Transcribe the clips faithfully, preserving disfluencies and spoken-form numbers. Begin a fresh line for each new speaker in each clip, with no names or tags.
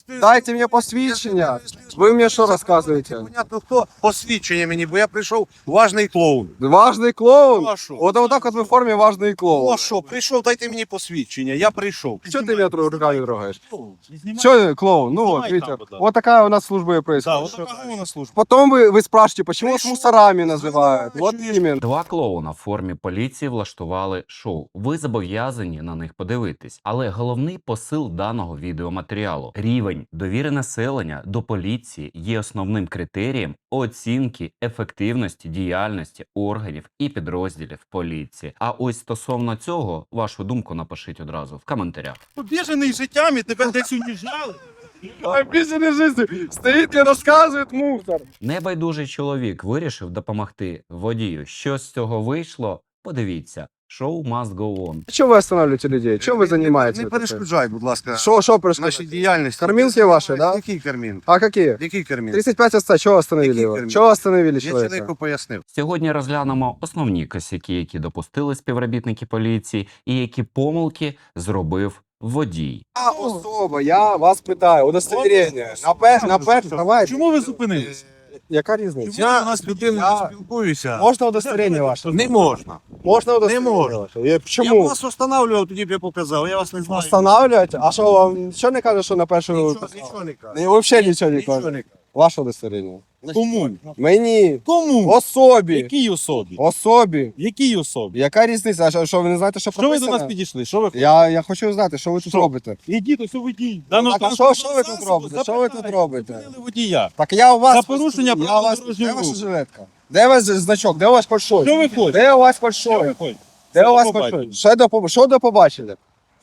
Дайте мені посвідчення. Ви мені що розказуєте?
Понятно, хто посвідчення мені, бо я прийшов важний клоун.
Важний клоун?
Ну, а що?
От отак от ви в формі важний
Ну
клоун.
а що, прийшов, дайте мені посвідчення, я прийшов.
Що ти мене руками трогаєш? Що клоун? Ну вот, видите, вот такая у нас служба и
Да,
происходит.
от така у нас служба.
Потом вы, вы спрашиваете, почему вас
Пришел.
мусорами называют? Вот именно.
Два клоуна в формі поліції влаштували шоу. Ви зобов'язані на них подивитись. Але головний посил даного відеоматеріалу – рівень довіри населення до поліції є основним критерієм оцінки ефективності діяльності органів і підрозділів поліції. А ось стосовно цього, вашу думку напишіть одразу в коментарях.
Побіжений життями, тебе десь уніжали.
Обиженный жизнью. Стоит и рассказывает мусор.
Небайдужий чоловік вирішив допомогти водію. Що з цього вийшло? Подивіться. Шоу must go on.
Что вы останавливаете людей? Чем вы занимаетесь?
Не перешкоджай, будь ласка,
Что, что
нашій
происходит?
діяльності.
Кормілки ваші, да?
Який кармін?
А какие?
Який кармін?
тридцать пять отца, чего остановили
Какие
его?
термины?
Чего остановили
Я
человека?
чоловіку пояснив.
Сьогодні розглянемо основні косяки, які допустили співробітники поліції, і які помилки зробив водій.
А, особо, я вас питаю, удостоверение. На пеш, на пеш, давай.
Чому ви зупинились?
Яка різниця?
Я з людиною
Я-
спілкуюся.
Можна удостоверение ваше?
Не можна.
Можна удостоверение
можна.
ваше? Я-
Я б
Чому?
вас встановлював, тоді б я показав, я вас не знаю.
Встановлювати? А що вам нічого не каже, що на першу...
Нічого, нічого не кажу.
Ні, взагалі нічого не
Нічого
каже.
не кажу.
Ваше удостоверение.
Кому?
Мені.
Кому?
Особі.
Якій особі?
Особі.
Якій особі?
Яка різниця? А що, що ви не знаєте, що
Що ви до
прописано?
нас підійшли? Що ви
Я, я хочу знати, що ви тут
Що?
робите.
Ідіть, ось водій.
Так, а що- що ви тут робите? Що ви тут робите?
водія.
Так я у вас...
За порушення
я
правил
у вас...
дорожнього
Де ваша
руху.
жилетка? Де у вас значок? Де у вас фальшой?
Що ви хочете?
Де у вас
Що ви
фальшой?
хочете?
Де у вас
Що
фальшой?
побачили?
Що до, поб- що до побачили?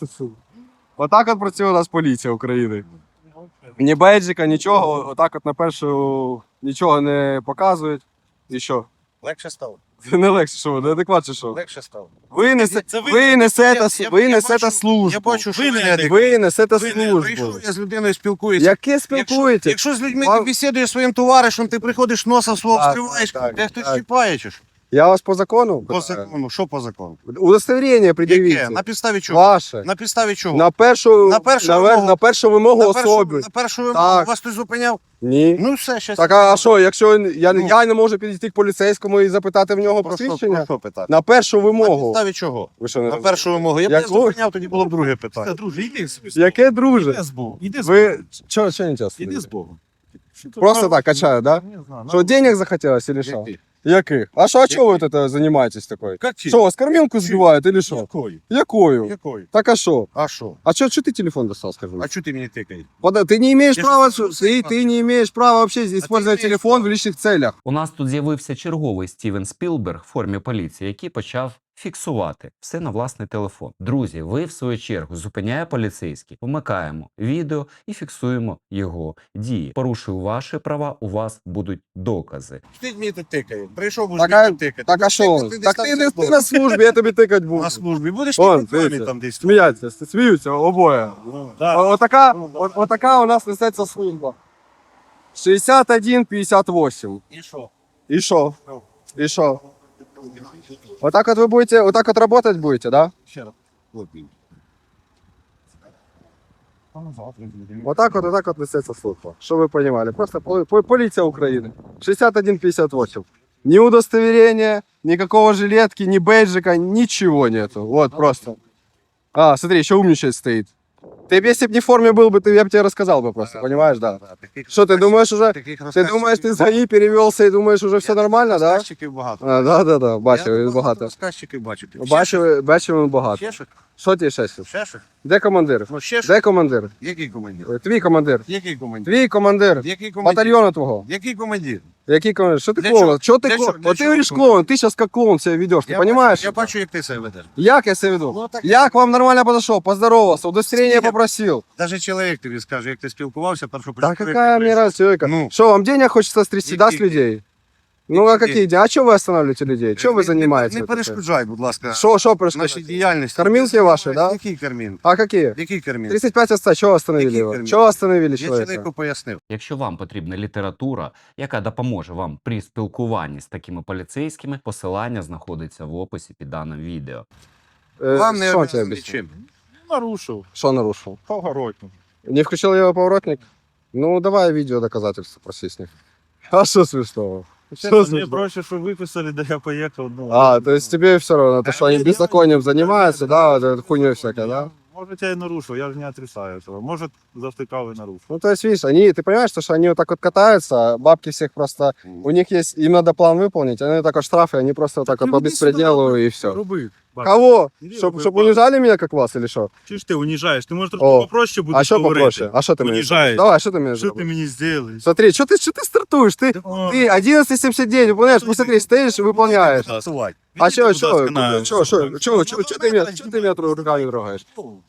Отак от працює у нас поліція України. Ні бейджика, нічого, отак от на першу нічого не показують. І що?
Легше стало.
Це не легше, що ви, неадекват чи що?
Легше стало.
Ви, несе,
Це ви-
ви несете,
Я-
с-
я-
ви
я
несете
бачу-
службу.
Я бачу, що
Ви
ви
не
не
адекватні.
Ви несете
Ви не-
службу.
Прийшов, я з людиною спілкуюся.
Яке
Якщо,
спілкуєтесь?
якщо з людьми
Вам-
ти бесідуєш своїм товаришем, ти приходиш носа свого
Так,
вскриваєш,
так,
де хтось
так.
чіпає чи що?
Я вас по закону?
По
питаю?
закону, що по закону?
Удостоверення пред'явіть.
Яке? На підставі чого?
Ваше.
На підставі чого?
На першу,
На першу
на, вер-
вимогу.
на першу вимогу
на першу,
особи.
на першу вимогу
Так.
вас хтось зупиняв?
Ні.
Ну все, щас.
Так, а що, якщо я,
Ну.
я не можу підійти к поліцейському і запитати в нього
Про що,
посвідчення?
про що питати?
На першу
На
вимогу.
підставі чого?
Ви що, не
На першу вимогу. Я б
Як
не
ви-
зупиняв, тоді було б друге питання.
Друже, іди собі.
Яке друже?
Іди з Богом. Іди з Богом.
Ви що, що не час?
Іди з Богом.
Просто так качаю, да?
Не знаю.
Що, денег захотелось или що?
Який?
Яких? А що, а чого ви тут занимаетесь такой?
Як чи?
Що, вас кормілку збивають или що?
Якою?
Якою?
Якою?
Так а що?
А що?
А что, что ты телефон достал, скажи?
А чого ти мені тикаєш?
Пода- Ты не имеешь
Я
права,
что,
ты, ты не имеешь права вообще использовать
имеешь
телефон в личных целях.
У нас тут з'явився черговий Стівен Спілберг в формі поліції, який почав фіксувати все на власний телефон. Друзі, ви в свою чергу зупиняє поліцейський, вмикаємо відео і фіксуємо його дії. Порушив ваші права, у вас будуть докази.
Ти мені тут тикає. Прийшов, будеш
Так,
мені
а-
тут тикати.
Так а что?
десь
Так
там
ты,
десь
ты, ты на службе, я тебе тыкать буду.
на службі. Будеш
Вон,
тикати
дивіться.
там десь.
Сміяться, сміються обоє.
Да.
О- Отака, о- отака у нас несеться служба. шестьдесят один пятьдесят восемь.
І що?
И шо? И шо? Вот так вот вы будете, вот так вот работать будете, да?
Ще раз.
Вот так вот, вот так вот несется служба. Что вы понимали? Просто поли- по- полиция Украины. шестьдесят один пятьдесят восемь. Ни удостоверения, никакого жилетки, ни бейджика, ничего нету. Вот просто. А, смотри, еще умничать стоит. Ты б, если бы не в форме был бы, ты, я бы тебе рассказал бы просто, понимаешь, да? Что, ты думаешь уже, ты думаешь, ты с ГАИ перевелся и думаешь, уже все нормально, да?
Розказчиків багато.
А, да, да, да,
Я
бачив, він багато.
Розказчиків бачу. Ще
Бачив, бачив він багато.
Ще щось?
Що ти ще щось?
Ще щось?
Де командир?
Ну ще щось?
Де командир?
Який командир?
Твій командир.
Який командир?
Твій командир.
Який командир?
Батальйону твого.
Який командир?
Який командир? Что ты
Для
клоун?
чего?
Что ты
Для
клоун?
чего? Для
Вот ты
чего
говоришь
клоун?
клоун, ты сейчас как клоун себя ведешь, ты
Я
понимаешь?
бачу- Я бачу, як ти себе ведеш.
Як я себя веду?
Ну, так-
Я к вам нормально подошел, поздоровался, удостоверение
Нет.
попросил.
Навіть чоловік тобі скаже, як ти спілкувався, першу
Да какая мне разница, человека?
Ну.
Что, вам денег хочется стрясти, да, с
Какие?
людей? Ну а
Какие?
какие деньги? А что вы останавливаете людей? Что вы занимаетесь?
Не
вот такое?
перешкоджай, будь ласка,
Что, что
нашій
происходит?
діяльності.
Кормілки ваші, да?
Який кармін?
А какие?
Який кармін?
тридцать пять отца, чего остановили
Какие
его?
термины?
Чего остановили
Я
человека?
чоловіку пояснив.
Якщо вам потрібна література, яка допоможе вам при спілкуванні з такими поліцейськими, посилання знаходиться в описі під даним відео.
Э,
Вам не
что он тебе
обов'язаний
объяснил?
чим.
Нарушив.
Что нарушил?
Погородню.
Не включил его поворотник? Ну, давай видео доказательства проси с них. А что смешного? Что
Мне
смешного?
проще, что выписали, да я поехал. Ну,
А, то есть тебе все равно, то, что они
я-
беззаконием занимаются, да, вот этой хуйней всякой, да?
Может, я и нарушил, я же не отрицаю этого. Может, завтыкал и нарушил.
Ну, то есть, видишь, они, ты понимаешь, что, что они вот так вот катаются, бабки всех просто, у них есть, им надо план выполнить, они так вот штрафы, они просто вот так вот по беспределу и все.
Руби.
Кого?
Иди
Чтоб,
руби,
чтоб
баб.
унижали меня, как вас, или что?
Чи ж ти унижаєш? Ти можеш
О,
трошки попроще будеш
А что
говорити.
попроще? А что ты мне?
Унижаешь.
Давай, что ты мне?
Що ти мені зробиш?
Смотри, что ты, что ты стартуешь? Ты, ты одиннадцать семьдесят девять выполняешь, посмотри, стоишь и выполняешь. А что, что, что, что, что, что, что ты меня, что ты меня тру- руками трогаешь?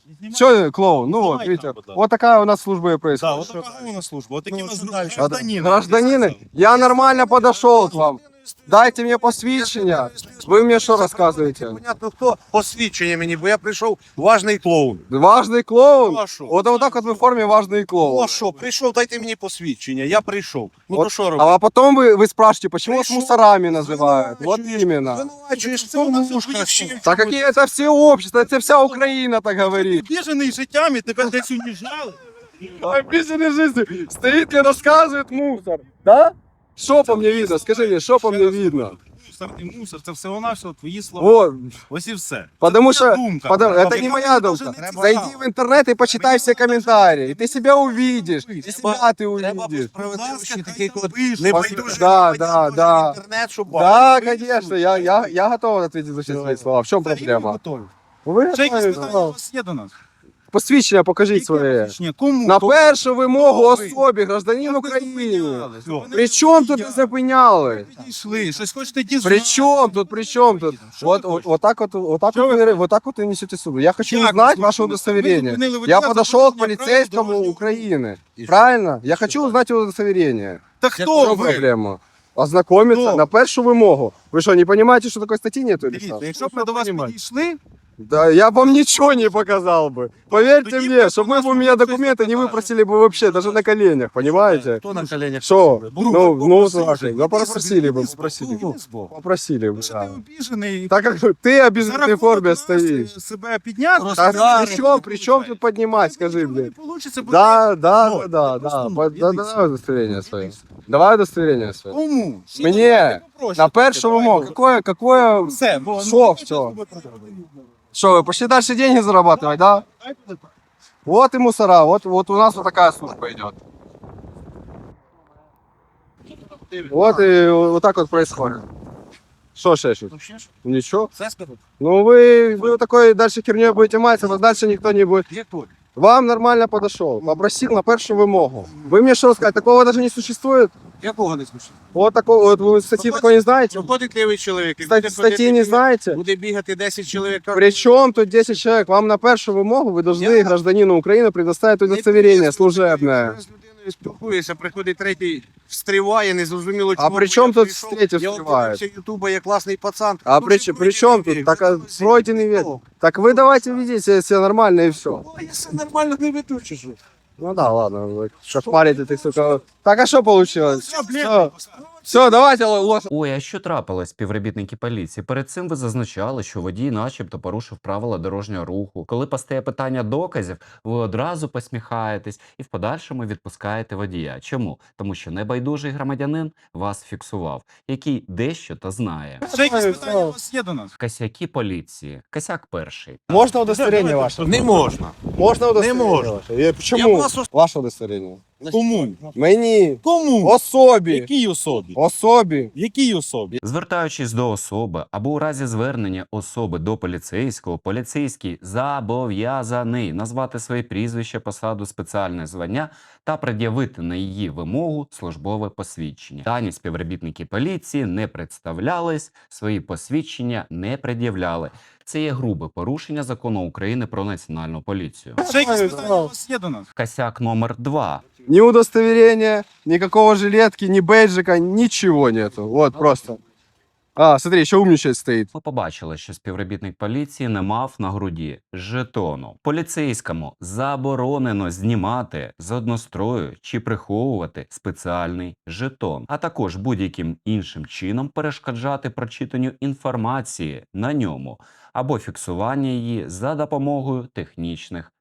Что, клоун? Ну вот,
Снимай
видите,
там, вот так.
вот такая у нас служба и
Да,
происходит.
вот така у нас служба. Вот такі
Ну,
у нас
А,
гражданин.
Гражданины, я нормально подошел к вам. Дайте мне посвящение. Вы мне что рассказываете?
Понятно, хто посвідчення мені, бо я прийшов важний клоун.
Важный клоун?
Ну, а що?
Вот, вот так вот вы в форме важный
Ну
клоун.
а що, прийшов, дайте мені посвідчення, я прийшов. Ну
Вот,
то що робити?
а потом вы, вы спрашиваете, почему вас
Пришел,
мусорами называют? Вот
звинувачуєш,
именно.
Звинувачуєш в тому мушка.
Так какие это все общества, это вся Украина так говорит.
Біжений життями, тебе десь унижали.
Обиженный жизнью. Стоит и рассказывает мусор. Да? Что по мне видно? Скажи мне, что по мне видно?
Мусор і мусор, це всього-навсього твої слова.
Вот.
Ось і все.
Потому
Це твоя
что
думка.
потому- это
Яка
не моя
дуже
думка.
не
Зайди
цікава.
в интернет и почитай все комментарии. И ты себя увидишь. И себя ты
Треба
увидишь.
справедливості такий код.
Пише.
Не
Пос-
байдуже
да, да, да.
інтернет, щоб
Да,
бачити.
конечно, я, я, я готов ответить за все свои слова. В чем проблема? Вы
Ще якісь
готові?
питання у вас є до нас?
Посвідчення покажіть
Яке
своє.
посвідчення? Кому?
На
Кому?
першу вимогу
Хто ви?
особі, гражданин
Як ви
України.
зупинялись? Ви не
При чому тут не
зупиняли.
зупиняли?
Підійшли, щось хочете дізнатися?
При чому тут, при чому тут?
Що
Вот,
ви
вот,
хочете?
вот так вот, вот так вот, вы, вот так вот и несете суду. Я хочу
Як ви
узнать
зупинили?
ваше
Ви
удостоверение.
зупинили водія
Я
за
подошел к
порушення правил
полицейскому
дорожнього
Украины.
І що?
Правильно? Я хочу узнать его удостоверение.
Та
В
хто
чем
ви?
проблема? Ознакомиться
Хто?
на першу вимогу. Ви що, не понимаете, що такої статті нету? или
Дивіться,
що?
якщо б ми до вас підійшли,
Да, я вам ничего не показал бы. Поверьте
Тоді
мне,
б
чтобы
у
вы
нас
бы у меня
щось
документы не
покаже.
выпросили бы вообще, даже на коленях, понимаете?
Хто на коленях?
Что?
Друг,
Ну, ну,
попросили
слушай,
же,
да
іди
попросили
собі,
бы,
іди з
попросили
боку,
бы.
іди з боку.
Попросили бы,
Що
да.
ти обіжений?
Так как ты о
За
безопасной
рахунок
форме
нас,
стоишь.
е, себе підняти?
Так,
да,
при чем, при чем тут поднимать, скажи мне?
Не получиться, бо
Да, да,
Ну,
да, да,
ти просто,
да.
ну,
По-
іди
да,
сюди.
Давай удостоверение свое. Давай удостоверение свое.
Кому?
Мне
Попроще.
на першу
Давай,
вимогу.
добре.
Какое, какое...
Все, бо
Що
ну,
все?
що?
Что, вы пошли дальше деньги зарабатывать, да? Вот и мусора, вот, вот у нас вот такая служба идет. Вот и вот так вот происходит. Что шешет? Ничего.
Це скажу.
Ну вы, вы вот такой дальше херней будете маться, вас дальше никто не будет.
Є тут.
Вам нормально подошел, попросил на першу вимогу. Вы мне что сказать, такого даже не существует?
Якого не слушаю?
Вот такого, вот вы статьи такой не знаете?
Виходить лівий чоловік. і
Кстати,
буде
статьи
ходити
не
бігати-
знаете?
Буде бігати десять чоловік.
Причем тут десять человек? Вам на першу вимогу вы должны
Я-
гражданину Украины предоставить удостоверение служебное.
Я з людиною спілкуюся, приходить третій, встріває, незрозуміло
А
чому.
при
бо
чому
я
тут
прийшов,
третій
Я
встріває?
подивився ютуба, я класний пацан.
А
Ну,
при,
вже
при чем
пройдений
тут? Так а,
вік.
пройденный век.
Ну,
Так вы давайте ведите себя нормально и все.
а я все нормально не веду, чи що?
Ну да, ладно, вы шахмарите ты, сука. Так а что получилось?
Все,
Все, все, давайте лошадь.
Ой, а що трапилось, співробітники поліції? Перед цим ви зазначали, що водій начебто порушив правила дорожнього руху. Коли постає питання доказів, ви одразу посміхаєтесь і в подальшому відпускаєте водія. Чому? Тому що небайдужий громадянин вас фіксував, який дещо та знає.
Ще якісь питання у вас є до нас?
Косяки поліції. Косяк перший.
Можно удостоверение ваше?
Не можна.
Можно удостоверение
можна.
ваше? Э,
Я
Почему?
вас ос-
Ваше удостоверение.
Кому?
Мені.
Кому?
Особі.
Якій особі?
Особі.
Якій особі?
Звертаючись до особи або у разі звернення особи до поліцейського, поліцейський зобов'язаний назвати своє прізвище, посаду, спеціальне звання та пред'явити на її вимогу службове посвідчення. Дані співробітники поліції не представлялись, свої посвідчення не пред'являли. Це є грубе порушення закону України про національну поліцію.
Ще якісь питання у вас є до нас?
Косяк номер два.
Ни удостоверения, никакого жилетки, ни бейджика, ничего нету. Вот просто. А, смотри, еще умничать стоит.
Ми побачили, що співробітник поліції не мав на груді жетону. Поліцейському заборонено знімати з однострою чи приховувати спеціальний жетон, а також будь-яким іншим чином перешкоджати прочитанню інформації на ньому або фіксування її за допомогою технічних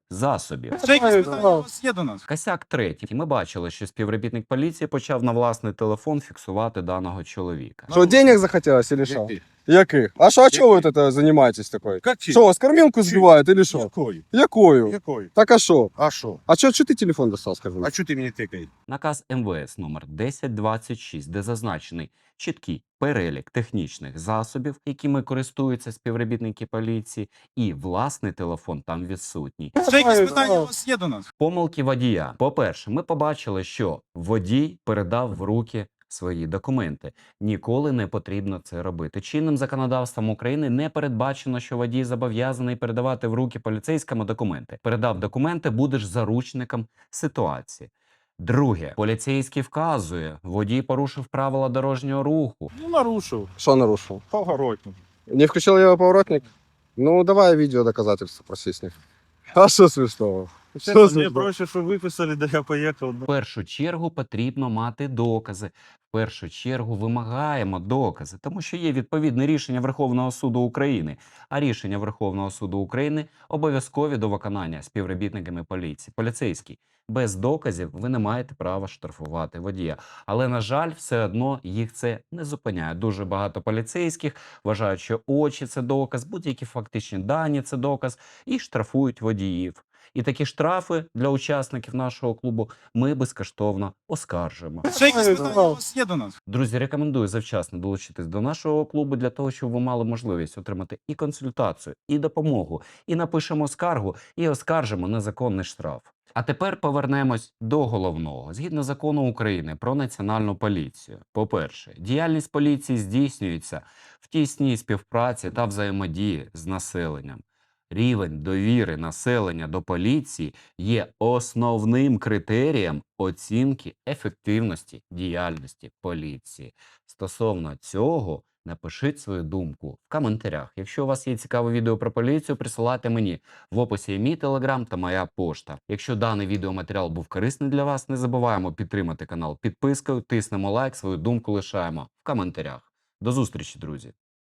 засобів.
Ще якісь питання у вас є до нас?
Косяк третій. Ми бачили, що співробітник поліції почав на власний телефон фіксувати даного чоловіка.
Что, денег захотелось или что?
Яких?
Яких? А что, а что вы вот это занимаетесь такой?
Какие?
Что, вас кормилку сбивают или что?
Якої?
Якою?
Якої?
Так а что?
А що?
А что, что ты телефон достал, скажи?
А чого ти мені тикаєш?
Наказ ем ве ес номер десять двадцять шість, де зазначений чіткий перелік технічних засобів, якими користуються співробітники поліції, і власний телефон там відсутній.
Ще якісь питання у вас є до нас?
Помилки водія. По-перше, ми побачили, що водій передав в руки свої документи. Ніколи не потрібно це робити. Чинним законодавством України не передбачено, що водій зобов'язаний передавати в руки поліцейському документи. Передав документи, будеш заручником ситуації. Друге, поліцейський вказує, водій порушив правила дорожнього руху.
Ну, нарушив.
Что нарушил?
Поворотник.
Не включил я поворотник? Ну, давай видео доказательства проси с них. А что смешного? Что
Мені
смешного?
проще, щоб виписали, де я поїхав.
В першу чергу потрібно мати докази. В першу чергу вимагаємо докази, тому що є відповідне рішення Верховного суду України. А рішення Верховного суду України обов'язкові до виконання співробітниками поліції. Поліцейський. Без доказів ви не маєте права штрафувати водія. Але, на жаль, все одно їх це не зупиняє. Дуже багато поліцейських вважають, що очі – це доказ, будь-які фактичні дані – це доказ, і штрафують водіїв. І такі штрафи для учасників нашого клубу ми безкоштовно оскаржуємо.
Ще якісь питання у вас є до нас?
Друзі, рекомендую завчасно долучитись до нашого клубу для того, щоб ви мали можливість отримати і консультацію, і допомогу, і напишемо скаргу, і оскаржимо незаконний штраф. А тепер повернемось до головного. Згідно закону України про національну поліцію. По-перше, діяльність поліції здійснюється в тісній співпраці та взаємодії з населенням. Рівень довіри населення до поліції є основним критерієм оцінки ефективності діяльності поліції. Стосовно цього, напишіть свою думку в коментарях. Якщо у вас є цікаве відео про поліцію, присилайте мені. В описі є мій телеграм та моя пошта. Якщо даний відеоматеріал був корисний для вас, не забуваємо підтримати канал підпискою, тиснемо лайк, свою думку лишаємо в коментарях. До зустрічі, друзі!